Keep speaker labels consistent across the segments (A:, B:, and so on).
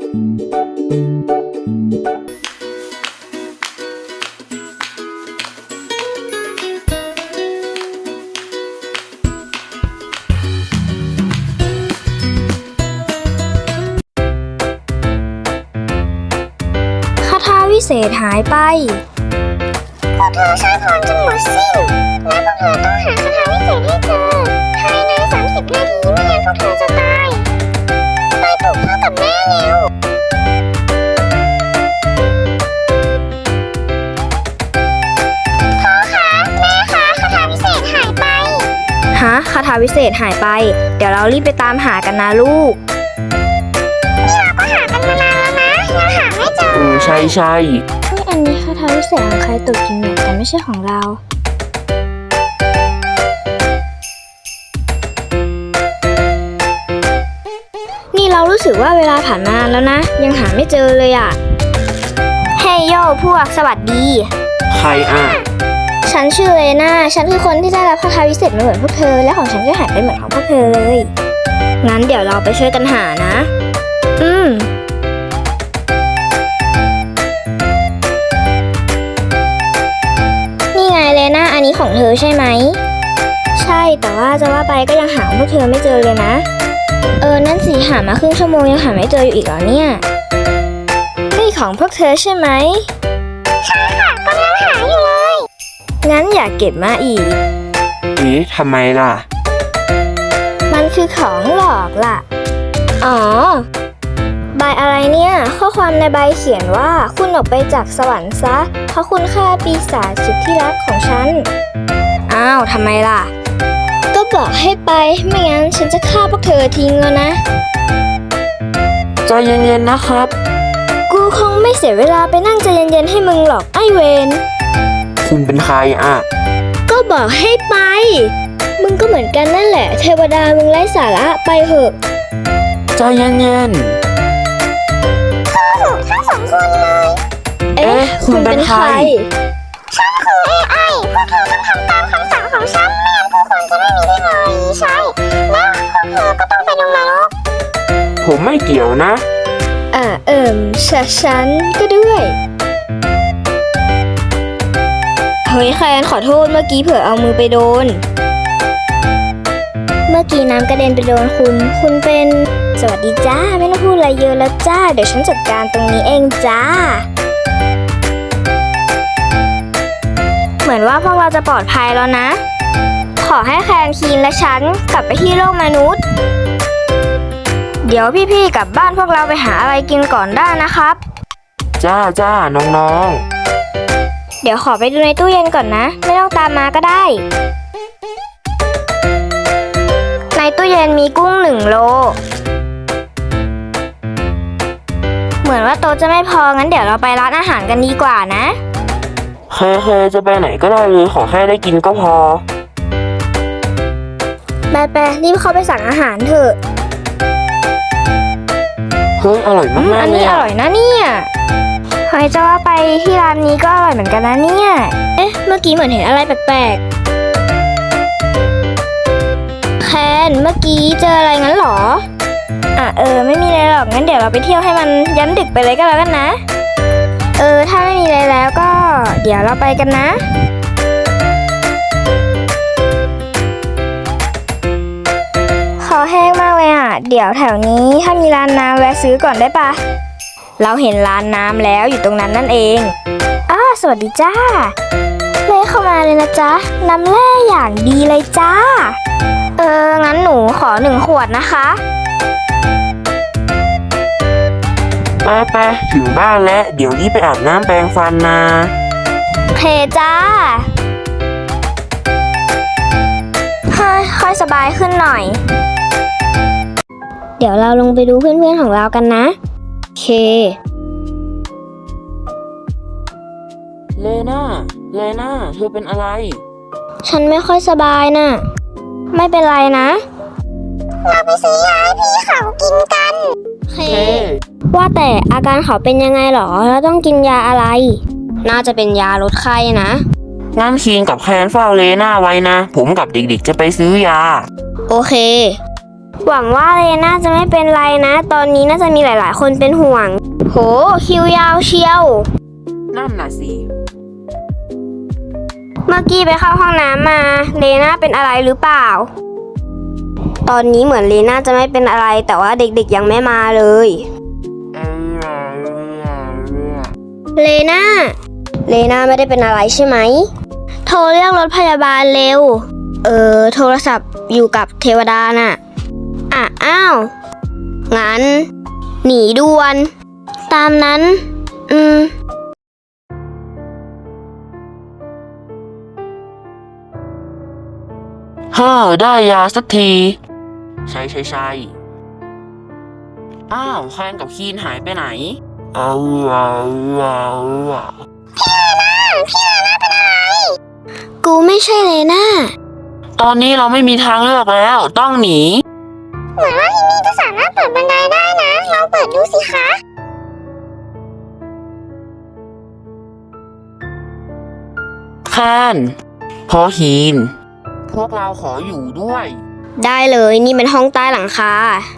A: คาถาวิเศษหายไป
B: พวกเธอใช้พรจนหมดสิ้นและพวกเธอต้องหาคาถาวิเศษให้เจอภายใน30 นาทีไม่งั้นพวกเธอจะตายไปปลุกพ่อกับแม่เร็วพ่อคะแม่คะคาถาวิเศษหายไป
A: ฮะคาถาวิเศษหายไปเดี๋ยวเรารีบไปตามหากันนะลูก
B: นี่เราก็หากันมานานแล้วนะยังหาไม่เจอ
C: ใช่
A: อันนี้คาถาวิเศษของใครตกจริงเนี่ยแต่ไม่ใช่ของเรานี่เรารู้สึกว่าเวลาผ่านมานานแล้วนะยังหาไม่เจอเลยอ่ะเฮ้ยโย่พวกสวัสดี
C: ใครอ่ะ
A: ฉันชื่อเลน่าฉันคือคนที่ได้รับคาถาวิเศษมาเหมือนพวกเธอและของฉันก็หายไปเหมือนของพวกเธอเลยงั้นเดี๋ยวเราไปช่วยกันหานะนี่ไงเลน่าอันนี้ของเธอใช่ไหมใช่แต่ว่าจะว่าไปก็ยังหาพวกเธอไม่เจอเลยนะนั่นสิหามาครึ่งชั่วโมงยังหาไม่เจออยู่อีกเหรอเนี่ยนี่ของพวกเธอใช่ไหม
B: ใช่ค่ะกำลังหาอยู่เลย
A: งั้นอย่าเก็บมาอีก
C: ทำไมล่ะ
A: มันคือของหลอกล่ะอ๋อใบอะไรเนี่ยข้อความในใบเขียนว่าคุณออกไปจากสวรรค์ซะเพราะคุณฆ่าปีศาจสุดที่รักของฉันอ้าวทำไมล่ะก็บอกให้ไปไม่งั้นฉันจะฆ่าพวกเธอทิ้งแล้วนะ
C: ใจเย็นๆนะครับ
A: กูคงไม่เสียเวลาไปนั่งใจเย็นๆให้มึงหรอกไอ้เวน
C: คุณเป็นใครอ่ะ
A: ก็บอกให้ไปมึงก็เหมือนกันนั่นแหละเทวดามึงไร้สาระไปเถอะ
C: ใจเย็น
B: ทั้ง2 คนเลย
C: คุณเป็นใคร
B: ฉันคือ AI พวกเธอต้องทำตามคำสั่งของฉันไม่งั้นผู้คนจะไม่มีเทคโนโลยีใช้แล้วพวกเธอก็ต้องไปลงนรก
C: ผมไม่เกี่ยวนะ
A: ฉันก็ด้วยเฮ้ยแคนขอโทษเมื่อกี้เผื่อเอามือไปโดนเมื่อกี้น้ำกระเด็นไปโดนคุณเป็นสวัสดีจ้าไม่ต้องพูดอะไรเยอะแล้วจ้าเดี๋ยวฉันจัดการตรงนี้เองจ้าเหมือนว่าพวกเราจะปลอดภัยแล้วนะขอให้แคนคีนและฉันกลับไปที่โลกมนุษย์เดี๋ยวพี่ๆกลับบ้านพวกเราไปหาอะไรกินก่อนได้นะครับ
C: จ้าน้อง
A: เดี๋ยวขอไปดูในตู้เย็นก่อนนะไม่ต้องตามมาก็ได้ในตู้เย็นมีกุ้ง1 โลเหมือนว่าโต๊ะจะไม่พองั้นเดี๋ยวเราไปร้านอาหารกันดีกว่านะ
C: เคจะไปไหนก็ได้เลยขอแค่ได้กินก็พอ
A: ไปรีบเข้าไปสั่งอาหารเถอะ
C: เฮ้ยอร่อยมากเลย
A: อันนี้อร่อยนะเนี่ยเฮ้ยจะว่าไปที่ร้านนี้ก็อร่อยเหมือนกันนะเนี่ยเมื่อกี้เหมือนเห็นอะไรแปลกๆแคนเมื่อกี้เจออะไรงั้นหรอไม่มีอะไรหรอกงั้นเดี๋ยวเราไปเที่ยวให้มันยันดึกไปเลยก็แล้วกันนะถ้าไม่มีอะไรแล้วก็เดี๋ยวเราไปกันนะคอแห้งมากเลยเดี๋ยวแถวนี้ถ้ามีร้านน้ำแวะซื้อก่อนได้ปะเราเห็นร้านน้ำแล้วอยู่ตรงนั้นนั่นเองสวัสดีจ้าเลเข้ามาเลยนะจ๊ะน้ำแร่อย่างดีเลยจ้างั้นหนูขอ1 ขวดนะคะ
C: ไปถึงบ้านแล้วเดี๋ยวรีบไปอาบน้ำแปรงฟันนะ
A: เพจ้าค่อยสบายขึ้นหน่อยเดี๋ยวเราลงไปดูเพื่อนๆของเรากันนะเค
C: เลน่าเธอเป็นอะไร
A: ฉันไม่ค่อยสบายน่ะไม่เป็นไรนะ
B: เราไปซื้อยาให้พี่เขากินกัน
A: เคว่าแต่อาการเขาเป็นยังไงหรอแล้วต้องกินยาอะไรน่าจะเป็นยาลดไข้นะ
C: งั้นคีนกับแคนเฝ้าเลน่าไว้นะผมกับเด็กๆจะไปซื้อยา
A: โอเคหวังว่าเลน่าจะไม่เป็นไรนะ ตอนนี้น่าจะมีหลายๆคนเป็นห่วง โห คิวยาวเชียว
C: นั่นน่ะสิ
A: เมื่อกี้ไปเข้าห้องน้ำมา เลน่าเป็นอะไรหรือเปล่า ตอนนี้เหมือนเลน่าจะไม่เป็นอะไร แต่ว่าเด็กๆยังไม่มาเลย เลน่าไม่ได้เป็นอะไรใช่ไหม โทรเรียกรถพยาบาลเร็ว โทรศัพท์อยู่กับเทวดาน่ะ อ้าว งั้น หนีด่วน ตามนั้น
C: ได้ยาสักที ใช่อ้าวแคนกับคีนหายไปไหน
A: กูไม่ใช่เลน่า
C: ตอนนี้เราไม่มีทางเลือกแล้ว ต้องหนี
B: เหมือนว่าที่นี่จะสามารถเปิดบันไดได้นะลองเปิดดูสิคะ
C: แคนพอฮีน พวกเราขออยู่ด้วย
A: ได้เลยนี่เป็นห้องใต้หลังคา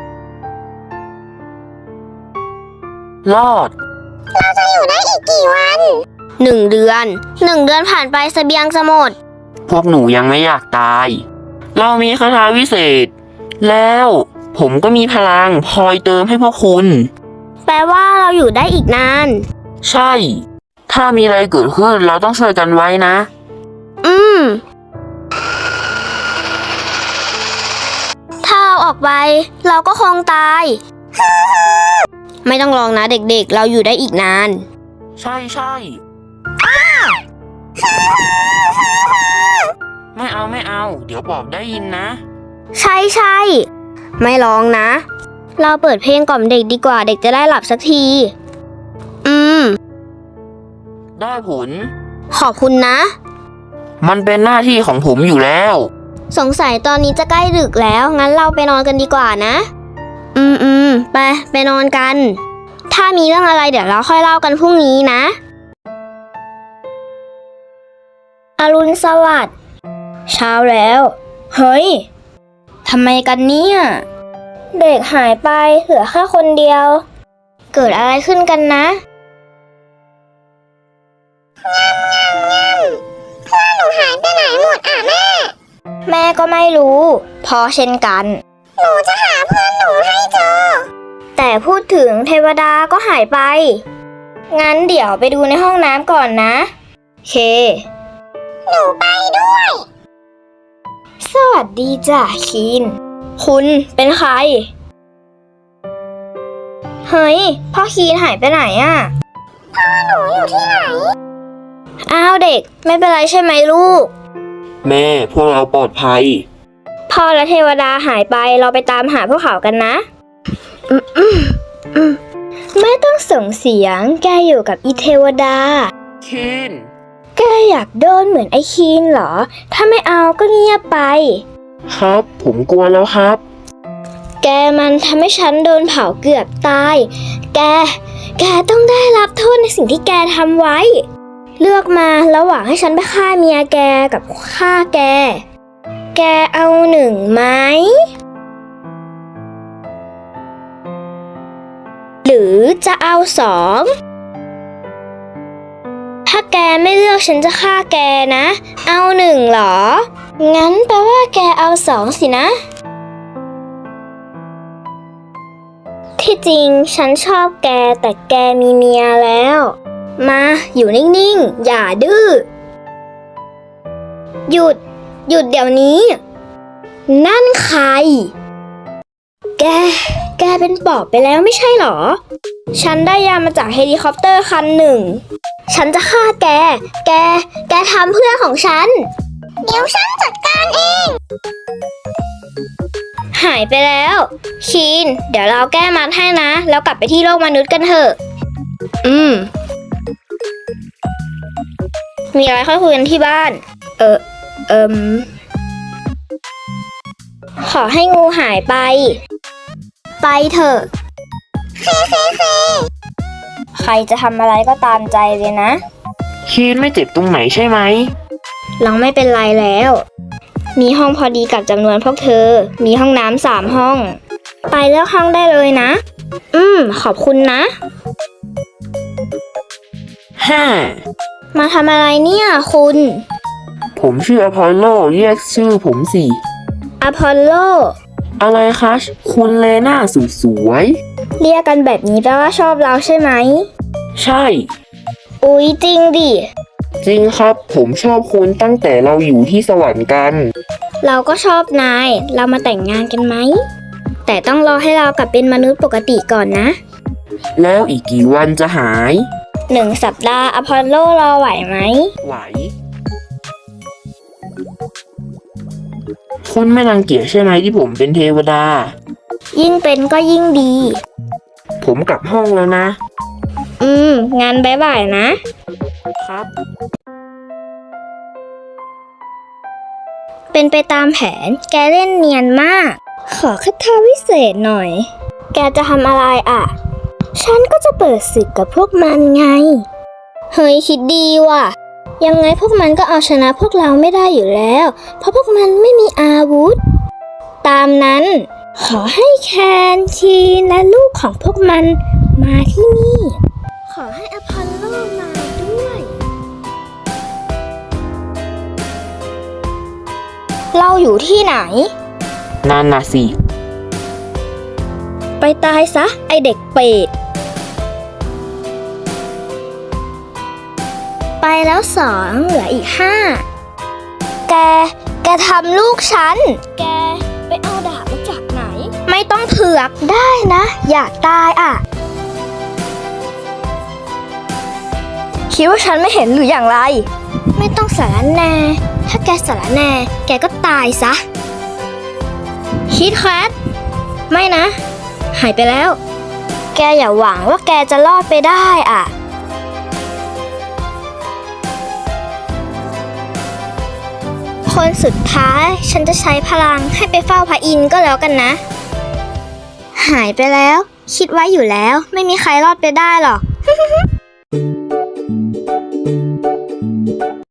C: รอด
B: เราจะอยู่ได้อีกกี่วัน
A: 1 เดือน ผ่านไปเสบียงจะหมด
C: พวกหนูยังไม่อยากตาย เรามีคาถาวิเศษ แล้วผมก็มีพลังคอยเติมให้พวกคุณ
A: แปลว่าเราอยู่ได้อีกนาน
C: ใช่ ถ้ามีอะไรเกิดขึ้นเราต้องช่วยกันไว้นะ
A: ถ้าเราออกไป เราก็คงตาย ไม่ต้องลองนะเด็กๆ เราอยู่ได้อีกนาน
C: ใช่ไม่เอา เดี๋ยวบอกได้ยินนะ
A: ใช่ ไม่ร้องนะ เราเปิดเพลงกล่อมเด็กดีกว่าเด็กจะได้หลับสักที
C: ได้ผล
A: ขอบคุณนะ
C: มันเป็นหน้าที่ของผมอยู่แล้ว
A: สงสัยตอนนี้จะใกล้ดึกแล้ว งั้นเราไปนอนกันดีกว่านะ ไปนอนกัน ถ้ามีเรื่องอะไรเดี๋ยวเราค่อยเล่ากันพรุ่งนี้นะ อรุณสวัสดิ์ เช้าแล้ว เฮ้ย ทำไมกันเนี่ย เด็กหายไปเหลือแค่คนเดียว เกิดอะไรขึ้นกันนะ
B: เพื่อนหนูหายไปไหนหมดแม่
A: แม่ก็ไม่รู้พอเช่นกัน
B: หนูจะหาเพื่อนหนูให้เจอ
A: แต่พูดถึงเทวดาก็หายไป งั้นเดี๋ยวไปดูในห้องน้ำก่อนนะ เค
B: หนูไปด้วย
A: สวัสดีจ้ะคีน คุณเป็นใคร เฮ้ย พ่อคีนหายไปไหนอะ
B: หนูอยู่ที่ไหน
A: อ้าวเด็กไม่เป็นไรใช่ไหมลูก
C: แม่พวกเราปลอดภัย
A: พ่อและเทวดาหายไปเราไปตามหาพวกเขากันนะ ไม่ต้องส่งเสียงแกอยู่กับอีเทวดา
C: คีน
A: แกอยากโดนเหมือนไอ้คีนเหรอ ถ้าไม่เอาก็เงียบไป
C: ครับ ผมกลัวแล้วครับ
A: แกมันทำให้ฉันโดนเผาเกือบตาย แกต้องได้รับโทษในสิ่งที่แกทำไว้ เลือกมาระหว่างให้ฉันไปฆ่าเมียแกกับฆ่าแก แกเอา1ไหม หรือจะเอา2 ถ้าแกไม่เลือกฉันจะฆ่าแกนะ เอา1เหรอ งั้นแปลว่าแกเอา2สินะ ที่จริงฉันชอบแกแต่แกมีเมียแล้ว มาอยู่นิ่งๆ อย่าดื้อ หยุดเดี๋ยวนี้ นั่นใคร แกเป็นปอบไปแล้วไม่ใช่หรอ ฉันได้ยามาจากเฮลิคอปเตอร์คันหนึ่ง ฉันจะฆ่าแกทำเพื่อนของฉัน
B: เดี๋ยวฉันจัดการเอง
A: หายไปแล้วคีน เดี๋ยวเราแก้มัดให้นะ แล้วกลับไปที่โลกมนุษย์กันเถอะ มีอะไรค่อยคุยกันที่บ้าน ขอให้งูหายไป ไปเถอะ ใครจะทำอะไรก็ตามใจเลยนะ
C: คีนไม่เจ็บตรงไหนใช่ไหม
A: เราไม่เป็นไรแล้วมีห้องพอดีกับจำนวนพวกเธอ มีห้องน้ำ3 ห้อง ไปเลือกห้องได้เลยนะ ขอบคุณนะ
C: 5
A: มาทำอะไรเนี่ยคุณ
C: ผมชื่ออพอลโลเรียกชื่อผมสิ
A: อพอลโล
C: อะไรคะคุณเลน่าสุดสวย
A: เรียกกันแบบนี้แปลว่าชอบเราใช่ไหม
C: ใช่
A: อุ๊ยจริงดิ
C: จริงครับ ผมชอบคุณตั้งแต่เราอยู่ที่สวรรค์กัน
A: เราก็ชอบนาย เรามาแต่งงานกันไหม แต่ต้องรอให้เรากลับเป็นมนุษย์ปกติก่อนนะ
C: แล้วอีกกี่วันจะหาย
A: 1 สัปดาห์อพอลโลรอไหวไหม
C: ไหว คุณไม่รังเกียจใช่ไหมที่ผมเป็นเทวดา
A: ยิ่งเป็นก็ยิ่งดี
C: ผมกลับห้องแล้วนะ
A: งานบ๊ายบายนะ
C: ครับ
A: เป็นไปตามแผน แกเล่นเนียนมาก ขอคาถาวิเศษหน่อย แกจะทำอะไรอ่ะ ฉันก็จะเปิดศึกกับพวกมันไง เฮ้ยคิดดีว่ะ ยังไงพวกมันก็เอาชนะพวกเราไม่ได้อยู่แล้ว เพราะพวกมันไม่มีอาวุธ ตามนั้น ขอให้แคนทีนและลูกของพวกมันมาที่นี่ ขอให้อพอลโลมาด้วย เราอยู่ที่ไหน
C: นั่นน่ะสิ
A: ไปตายซะ ไอเด็กเป็ด ไปแล้ว2เหลืออีก5 แกทำลูกฉัน แกไปเอาดาบมาจากไหน ไม่ต้องเผือกได้นะ อยากตายอ่ะ คิดว่าฉันไม่เห็นหรืออย่างไร ไม่ต้องสารแหน่ ถ้าแกสารแหน่ แกก็ตายซะ คิดแคทไม่นะ หายไปแล้ว แกอย่าหวังว่าแกจะรอดไปได้อ่ะ คนสุดท้ายฉันจะใช้พลังให้ไปเฝ้าพระอินทร์ก็แล้วกันนะ หายไปแล้ว คิดไว้อยู่แล้วไม่มีใครรอดไปได้หรอก